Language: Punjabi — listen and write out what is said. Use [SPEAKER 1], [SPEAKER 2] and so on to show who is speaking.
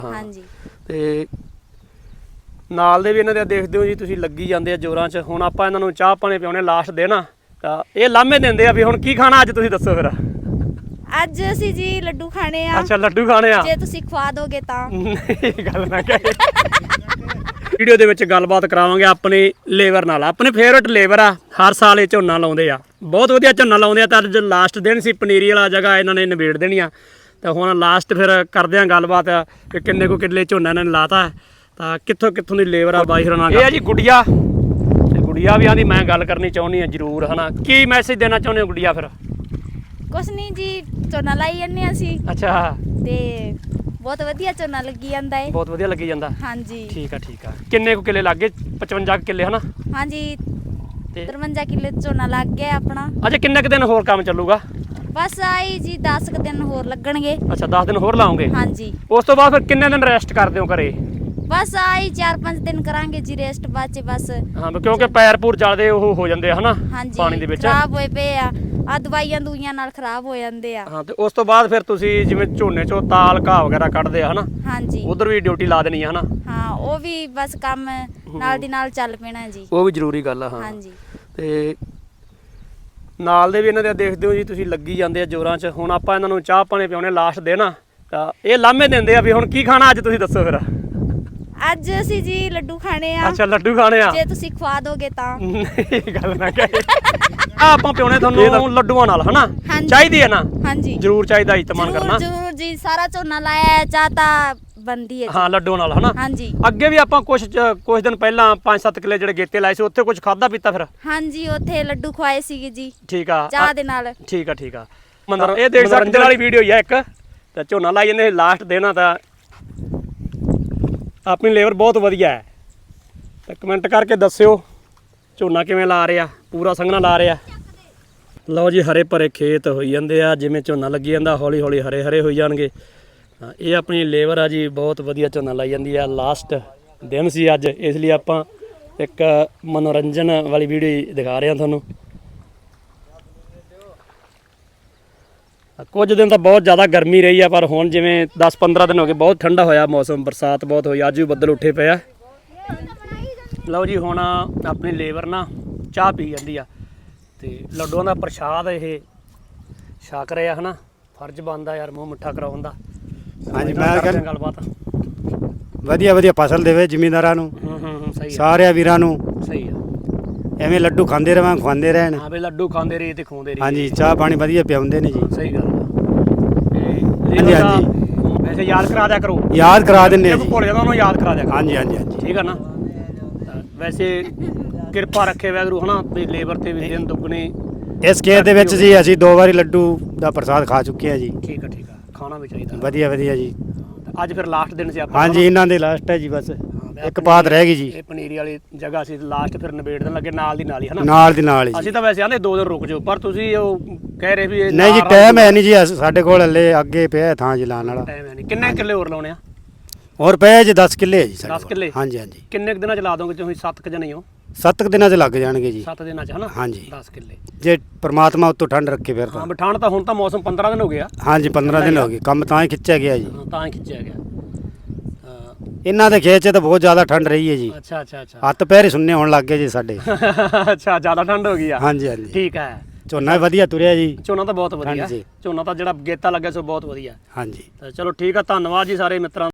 [SPEAKER 1] हाँ जी
[SPEAKER 2] ਤੇ ਨਾਲ ਦੇ ਵੀ ਇਹਨਾਂ ਦੇ ਦੇਖਦੇ ਹੋ ਜੀ ਤੁਸੀਂ ਲੱਗੀ ਜਾਂਦੇ ਆ ਜ਼ੋਰਾਂ 'ਚ। ਹੁਣ ਆਪਾਂ ਇਹਨਾਂ ਨੂੰ ਚਾਹ ਪਾਣੀ ਪਿਆਉਣੇ ਲਾਸਟ ਦੇ ਨਾ ਤਾਂ ਇਹ ਲਾਮੇ ਦਿੰਦੇ ਆ ਵੀ ਹੁਣ ਕੀ ਖਾਣਾ ਅੱਜ ਤੁਸੀਂ ਦੱਸੋ ਫਿਰ।
[SPEAKER 1] ਅੱਜ ਅਸੀਂ ਜੀ ਲੱਡੂ ਖਾਣੇ ਆ।
[SPEAKER 2] ਅੱਛਾ ਲੱਡੂ ਖਾਣੇ ਆ
[SPEAKER 1] ਜੇ ਤੁਸੀਂ ਖਵਾ ਦੋਗੇ ਤਾਂ।
[SPEAKER 2] ਨਹੀਂ ਗੱਲ ਨਾ ਕਹੇ। ਵੀਡੀਓ ਦੇ ਵਿੱਚ ਗੱਲਬਾਤ ਕਰਾਵਾਂਗੇ ਆਪਣੀ ਲੇਬਰ ਨਾਲ। ਆਪਣੇ ਫੇਵਰਟ ਲੇਬਰ ਆ, ਹਰ ਸਾਲ ਇਹ ਝੋਨਾ ਲਾਉਂਦੇ ਆ, ਬਹੁਤ ਵਧੀਆ ਝੋਨਾ ਲਾਉਂਦੇ ਆ। ਤਾਂ ਅੱਜ ਲਾਸਟ ਦਿਨ ਸੀ, ਪਨੀਰੀ ਵਾਲਾ ਜਗ੍ਹਾ ਇਹਨਾਂ ਨੇ ਨਿਬੇੜ ਦੇਣੀ ਆ। ਤਾਂ ਹੁਣ ਲਾਸਟ ਫਿਰ ਕਰਦੇ ਆ ਗੱਲਬਾਤ ਕਿ ਕਿੰਨੇ ਕੁ ਕਿੱਲੇ ਝੋਨਾ ਇਹਨਾਂ ਨੇ ਲਾਤਾ ਤਾਂ ਕਿੱਥੋਂ ਕਿੱਥੋਂ ਦੀ ਲੇਬਰ ਆ ਬਾਈ ਹਰਾਂ। ਇਹ ਆ ਜੀ ਗੁੜੀਆ, ਤੇ ਗੁੜੀਆ ਵੀ ਆਂਦੀ ਮੈਂ ਗੱਲ ਕਰਨੀ ਚਾਹੁੰਦੀ ਆ ਜ਼ਰੂਰ, ਹਨਾ। ਕੀ ਮੈਸੇਜ ਦੇਣਾ ਚਾਹੁੰਦੇ ਹੋ ਗੁੜੀਆ ਫਿਰ?
[SPEAKER 1] ਕੁਛ ਨਹੀਂ ਜੀ, ਝੋਨਾ ਲਾਈ ਜਾਂਦੇ ਹਾਂ ਅਸੀਂ
[SPEAKER 2] ਅੱਛਾ
[SPEAKER 1] ਤੇ ਬਹੁਤ ਵਧੀਆ ਝੋਨਾ ਲੱਗੀ ਜਾਂਦਾ ਹੈ।
[SPEAKER 2] ਬਹੁਤ ਵਧੀਆ ਲੱਗੀ ਜਾਂਦਾ।
[SPEAKER 1] ਹਾਂਜੀ
[SPEAKER 2] ਠੀਕ ਆ ਠੀਕ ਆ। ਕਿੰਨੇ ਕੁ ਕਿੱਲੇ ਲੱਗ ਗਏ? 55 ਕਿੱਲੇ ਹਨਾ।
[SPEAKER 1] ਹਾਂਜੀ
[SPEAKER 2] ਤੇ
[SPEAKER 1] 53 ਕਿੱਲੇ ਝੋਨਾ ਲੱਗ ਗਿਆ ਆਪਣਾ।
[SPEAKER 2] ਅਜੇ ਕਿੰਨੇ ਕੁ ਦਿਨ ਹੋਰ ਕੰਮ ਚੱਲੂਗਾ?
[SPEAKER 1] ਬਸ ਆਈ ਜੀ 10 ਕੁ ਦਿਨ ਹੋਰ ਲੱਗਣਗੇ।
[SPEAKER 2] ਅੱਛਾ 10 ਦਿਨ ਹੋਰ ਲਾਉਂਗੇ।
[SPEAKER 1] ਹਾਂਜੀ
[SPEAKER 2] ਉਸ ਤੋਂ ਬਾਅਦ ਫਿਰ ਕਿੰਨੇ ਦਿਨ ਰੈਸਟ ਕਰਦੇ ਹੋ ਘਰੇ?
[SPEAKER 1] ਬਸ ਆਈ 4-5 ਦਿਨ ਕਰਾਂਗੇ ਜੀ ਰੈਸਟ, ਬਾਅਦ ਚ ਬਸ।
[SPEAKER 2] ਹਾਂ ਕਿਉਂਕਿ ਪੈਰ ਪੂਰ ਚੱਲਦੇ ਉਹ ਹੋ ਜਾਂਦੇ ਆ ਹਨਾ
[SPEAKER 1] ਹਾਂਜੀ
[SPEAKER 2] ਪਾਣੀ ਦੇ ਵਿੱਚ।
[SPEAKER 1] ਖਰਾਬ ਹੋਏ ਪਏ ਆ ਦਵਾਈਆਂ ਦੂਈਆਂ ਨਾਲ ਖਰਾਬ ਹੋ ਜਾਂਦੇ ਆ।
[SPEAKER 2] ਹਾਂ ਤੇ ਉਸ ਤੋਂ ਬਾਅਦ ਫਿਰ ਤੁਸੀਂ ਜਿਵੇਂ ਝੋਨੇ ਚੋਂ ਤਾਲ ਘਾਹ ਵਗੈਰਾ ਕੱਢਦੇ ਆ ਹਨਾ,
[SPEAKER 1] ਹਾਂਜੀ
[SPEAKER 2] ਉਧਰ ਵੀ ਡਿਊਟੀ ਲਾ ਦੇਣੀ ਆ ਹਨਾ।
[SPEAKER 1] ਹਾਂ ਉਹ ਵੀ ਬਸ ਕੰਮ ਨਾਲ ਦੀ ਨਾਲ ਚੱਲ ਪੈਣਾ ਜੀ।
[SPEAKER 2] ਉਹ ਵੀ ਜ਼ਰੂਰੀ ਗੱਲ ਆ। ਹਾਂ
[SPEAKER 1] ਹਾਂਜੀ
[SPEAKER 2] ਤੇ ਨਾਲ ਦੇ ਵੀ ਇਹਨਾਂ ਦੇ ਦੇਖਦੇ ਹੋ ਜੀ ਤੁਸੀਂ ਲੱਗੀ ਜਾਂਦੇ ਆ ਜ਼ੋਰਾਂ 'ਚ। ਹੁਣ ਆਪਾਂ ਇਹਨਾਂ ਨੂੰ ਚਾਹ ਪਾਣੀ ਪਿਆਉਣੇ ਲਾਸਟ ਦੇ ਨਾ ਤਾਂ ਇਹ ਲਾਮੇ ਦਿੰਦੇ ਆ ਵੀ ਹੁਣ ਕੀ ਖਾਣਾ ਅੱਜ ਤੁਸੀਂ ਦੱਸੋ ਫਿਰ।
[SPEAKER 1] ਅੱਜ ਅਸੀਂ ਜੀ ਲੱਡੂ ਖਾਣੇ ਆ।
[SPEAKER 2] ਅੱਛਾ ਲੱਡੂ ਖਾਣੇ ਆ।
[SPEAKER 1] ਜੇ ਤੁਸੀਂ ਖਵਾ ਦੋਗੇ ਤਾਂ।
[SPEAKER 2] ਨਹੀਂ ਗੱਲ ਨਾ ਕਹੇ। ਆਪਾਂ ਪਿਆਉਣੇ ਤੁਹਾਨੂੰ ਲੱਡੂਆਂ ਨਾਲ ਹਨਾ।
[SPEAKER 1] ਹਾਂਜੀ।
[SPEAKER 2] ਚਾਹੀਦੀ ਹੈ ਨਾ?
[SPEAKER 1] ਹਾਂਜੀ
[SPEAKER 2] ਜ਼ਰੂਰ ਚਾਹੀਦਾ ਇਤਮਾਨ ਕਰਨਾ।
[SPEAKER 1] ਜ਼ਰੂਰ ਜੀ, ਸਾਰਾ ਝੋਨਾ ਲਾਇਆ ਹੈ, ਚਾਹ ਤਾਂ ਬਣਦੀ ਹੈ ਜੀ।
[SPEAKER 2] ਹਾਂ ਲੱਡੂਆਂ ਨਾਲ ਹਨਾ।
[SPEAKER 1] ਹਾਂਜੀ
[SPEAKER 2] ਅੱਗੇ ਵੀ ਆਪਾਂ ਕੁਝ ਦਿਨ ਪਹਿਲਾਂ 5-7 ਕਿੱਲੇ ਜਿਹੜੇ ਗੇਤੇ ਲਾਏ ਸੀ ਉੱਥੇ ਕੁਝ ਖਾਦਾ ਪੀਤਾ ਫਿਰ?
[SPEAKER 1] ਹਾਂਜੀ ਉੱਥੇ ਲੱਡੂ ਖਵਾਏ ਸੀਗੇ ਜੀ
[SPEAKER 2] ਠੀਕ ਆ
[SPEAKER 1] ਚਾਹ ਦੇ ਨਾਲ।
[SPEAKER 2] ਠੀਕ ਆ ਠੀਕ ਆ। ਮੰਦਰ ਇਹ ਦੇਖ ਸਕਦੇ ਵਾਲੀ ਵੀਡੀਓ ਹੀ ਆ ਇੱਕ। ਤਾਂ ਝੋਨਾ ਲਾਈ ਜਾਂਦੇ ਲਾਸਟ ਦੇਣਾ ਤਾਂ ਆਪਣੀ ਲੇਬਰ ਬਹੁਤ ਵਧੀਆ ਹੈ। ਤਾਂ ਕਮੈਂਟ ਕਰਕੇ ਦੱਸਿਓ ਝੋਨਾ ਕਿਵੇਂ ਲਾ ਰਿਹਾ, ਪੂਰਾ ਸੰਘਣਾ ਲਾ ਰਿਹਾ। ਲਓ ਜੀ ਹਰੇ ਭਰੇ ਖੇਤ ਹੋਈ ਜਾਂਦੇ ਆ, ਜਿਵੇਂ ਝੋਨਾ ਲੱਗੀ ਜਾਂਦਾ ਹੌਲੀ ਹੌਲੀ ਹਰੇ ਹਰੇ ਹੋਈ ਜਾਣਗੇ। ਇਹ ਆਪਣੀ ਲੇਬਰ ਆ ਜੀ, ਬਹੁਤ ਵਧੀਆ ਝੋਨਾ ਲਾਈ ਜਾਂਦੀ ਆ। ਲਾਸਟ ਦਿਨ ਸੀ ਅੱਜ, ਇਸ ਲਈ ਆਪਾਂ ਇੱਕ ਮਨੋਰੰਜਨ ਵਾਲੀ ਵੀਡੀਓ ਦਿਖਾ ਰਹੇ ਹਾਂ ਤੁਹਾਨੂੰ। ਕੁਝ ਦਿਨ ਤਾਂ ਬਹੁਤ ਜ਼ਿਆਦਾ ਗਰਮੀ ਰਹੀ ਆ, ਪਰ ਹੁਣ ਜਿਵੇਂ 10-15 ਦਿਨ ਹੋ ਗਏ ਬਹੁਤ ਠੰਡਾ ਹੋਇਆ ਮੌਸਮ, ਬਰਸਾਤ ਬਹੁਤ ਹੋਈ। ਅੱਜ ਵੀ ਬੱਦਲ ਉੱਠੇ ਪਏ ਆ। ਲਓ ਜੀ ਹੁਣ ਆਪਣੀ ਲੇਬਰ ਨਾ ਚਾਹ ਪੀ ਜਾਂਦੀ ਆ ਤੇ ਲੱਡੂਆਂ ਦਾ ਪ੍ਰਸ਼ਾਦ ਇਹ ਛਕ ਰਹੇ ਆ ਹਨਾ। ਫਰਜ਼ ਬਣਦਾ ਯਾਰ ਮੂੰਹ ਮਿੱਠਾ ਕਰਾਉਣ ਦਾ।
[SPEAKER 3] ਹਾਂਜੀ ਮੈਂ
[SPEAKER 2] ਗੱਲਬਾਤ
[SPEAKER 3] ਵਧੀਆ ਵਧੀਆ ਫਸਲ ਦੇਵੇ ਜ਼ਿਮੀਂਦਾਰਾਂ ਨੂੰ,
[SPEAKER 2] ਸਹੀ ਆ
[SPEAKER 3] ਸਾਰਿਆਂ ਵੀਰਾਂ ਨੂੰ।
[SPEAKER 2] ਸਹੀ ਆ।
[SPEAKER 3] ਐਵੇਂ ਲੱਡੂ ਖਾਂਦੇ ਰਵਾਂ, ਖਵਾਉਂਦੇ ਰਹਿਣ।
[SPEAKER 2] ਹਾਂ ਵੀ ਲੱਡੂ ਖਾਂਦੇ ਰਹੀ ਤੇ ਖਵਾਉਂਦੇ ਰਹੀ।
[SPEAKER 3] ਹਾਂਜੀ ਚਾਹ ਪਾਣੀ ਵਧੀਆ ਪਿਆਉਂਦੇ ਨੇ ਜੀ।
[SPEAKER 2] ਸਹੀ ਗੱਲ ਆ।
[SPEAKER 3] ਹਾਂਜੀ ਹਾਂਜੀ
[SPEAKER 2] ਵੈਸੇ ਯਾਦ ਕਰਾ ਦਿਆ ਕਰੋ।
[SPEAKER 3] ਯਾਦ ਕਰਾ ਦਿੰਦੇ ਆ ਜੀ।
[SPEAKER 2] ਭੁੱਲ ਜਾਂਦਾ ਉਹਨੂੰ ਯਾਦ ਕਰਾ ਦਿਆ ਕਰੋ।
[SPEAKER 3] ਹਾਂਜੀ ਹਾਂਜੀ ਹਾਂਜੀ
[SPEAKER 2] ਠੀਕ ਆ ਨਾ। ਵੈਸੇ ਕਿਰਪਾ ਰੱਖੇ ਵਾਹਿਗੁਰੂ ਹਨਾ ਵੀ ਲੇਬਰ ਤੇ ਵੀ ਦਿਨ ਦੁੱਗਣੇ।
[SPEAKER 3] ਇਸ ਖੇਤ ਦੇ ਵਿੱਚ ਜੀ ਅਸੀਂ 2 ਵਾਰੀ ਲੱਡੂ ਦਾ ਪ੍ਰਸਾਦ ਖਾ ਚੁੱਕੇ ਆ ਜੀ।
[SPEAKER 2] ਠੀਕ ਆ ਠੀਕ ਆ। ਖਾਣਾ ਵੀ ਚਾਹੀਦਾ।
[SPEAKER 3] ਵਧੀਆ ਵਧੀਆ ਜੀ।
[SPEAKER 2] ਅੱਜ ਫਿਰ ਲਾਸਟ ਦਿਨ ਸੀ ਆਪਾਂ।
[SPEAKER 3] ਹਾਂਜੀ ਇਹਨਾਂ ਦੇ ਲਾਸਟ ਹੈ ਜੀ, ਬਸ ਇੱਕ ਬਾਤ ਰਹਿ ਗਈ ਜੀ।
[SPEAKER 2] ਇਹ ਪਨੀਰੀ ਵਾਲੀ ਜਗ੍ਹਾ ਸੀ ਲਾਸਟ, ਫਿਰ ਨਿਬੇੜ ਦੇਣ ਲੱਗੇ ਨਾਲ ਦੀ ਨਾਲ ਹੀ ਹਨਾ।
[SPEAKER 3] ਨਾਲ ਦੀ ਨਾਲ ਹੀ
[SPEAKER 2] ਅਸੀਂ
[SPEAKER 3] ਜੀ।
[SPEAKER 2] ਤਾਂ ਵੈਸੇ ਆਂਦੇ 2 ਦਿਨ ਰੁਕ ਜਾਓ, ਪਰ ਤੁਸੀਂ ਉਹ ਕਹਿ ਰਹੇ ਵੀ ਇਹ
[SPEAKER 3] ਨਹੀਂ ਜੀ ਟਾਈਮ ਹੈ ਨਹੀਂ ਜੀ, ਸਾਡੇ ਕੋਲ ਹਲੇ ਅੱਗੇ ਪਿਆ ਥਾਂ ਜੀ ਲਾਉਣ ਵਾਲਾ।
[SPEAKER 2] ਟਾਈਮ ਹੈ ਨਹੀਂ। ਕਿੰਨੇ ਕਿੱਲੇ ਹੋਰ ਲਾਉਣੇ ਆ?
[SPEAKER 3] ਹੋਰ ਪਿਆ ਜੀ 10 ਕਿੱਲੇ ਹੈ ਜੀ ਸਾਡੇ
[SPEAKER 2] 10
[SPEAKER 3] ਕੋਲ।
[SPEAKER 2] ਕਿੱਲੇ?
[SPEAKER 3] ਹਾਂਜੀ ਹਾਂਜੀ
[SPEAKER 2] ਕਿੰਨੇ ਕੁ ਦਿਨਾਂ ਚ ਲਾ ਦੋਗੇ ਤੁਸੀਂ? 7 ਕੁ ਜਣੇ ਹੋ?
[SPEAKER 3] 7 ਦਿਨਾਂ 'ਚ ਲੱਗ ਜਾਣਗੇ ਜੀ।
[SPEAKER 2] 7 ਦਿਨਾਂ ਚ ਹਨਾ।
[SPEAKER 3] ਹਾਂਜੀ
[SPEAKER 2] 10 ਕਿੱਲੇ।
[SPEAKER 3] ਜੇ ਪ੍ਰਮਾਤਮਾ ਉੱਤੋਂ ਠੰਡ ਰੱਖੇ ਫਿਰ
[SPEAKER 2] ਹਾਂ
[SPEAKER 3] ਤਾਂ।
[SPEAKER 2] ਬਿਠਾਣ ਤਾਂ ਹੁਣ ਤਾਂ ਮੌਸਮ 15 ਦਿਨ ਹੋ ਗਿਆ।
[SPEAKER 3] ਹਾਂਜੀ 15 ਦਿਨ ਹੋ ਗਏ, ਕੰਮ ਤਾਂ ਹੀ ਖਿੱਚਿਆ ਗਿਆ ਜੀ।
[SPEAKER 2] ਤਾਂ ਹੀ ਖਿੱਚਿਆ ਗਿਆ।
[SPEAKER 3] ਇਹਨਾਂ ਦੇ ਖੇਤ 'ਚ ਤਾਂ ਬਹੁਤ ਜ਼ਿਆਦਾ ਠੰਡ ਰਹੀ ਹੈ ਜੀ।
[SPEAKER 2] ਅੱਛਾ ਅੱਛਾ ਅੱਛਾ।
[SPEAKER 3] ਹੱਥ ਪੈਰ ਹੀ ਸੁੰਨੇ ਹੋਣ ਲੱਗ ਗਏ ਜੀ ਸਾਡੇ।
[SPEAKER 2] ਅੱਛਾ ਜ਼ਿਆਦਾ ਠੰਡ ਹੋ ਗਈ ਆ।
[SPEAKER 3] ਹਾਂਜੀ ਹਾਂਜੀ
[SPEAKER 2] ਠੀਕ ਹੈ।
[SPEAKER 3] ਝੋਨਾ ਵੀ ਵਧੀਆ ਤੁਰਿਆ ਜੀ।
[SPEAKER 2] ਝੋਨਾ ਤਾਂ ਬਹੁਤ ਵਧੀਆ।
[SPEAKER 3] ਹਾਂਜੀ।
[SPEAKER 2] ਝੋਨਾ ਤਾਂ ਜਿਹੜਾ ਗੇਤਾ ਲੱਗਿਆ ਸੋ ਬਹੁਤ ਵਧੀਆ।
[SPEAKER 3] ਹਾਂਜੀ
[SPEAKER 2] ਤਾਂ ਚਲੋ ਠੀਕ ਆ, ਧੰਨਵਾਦ ਜੀ ਸਾਰੇ ਮਿੱਤਰਾਂ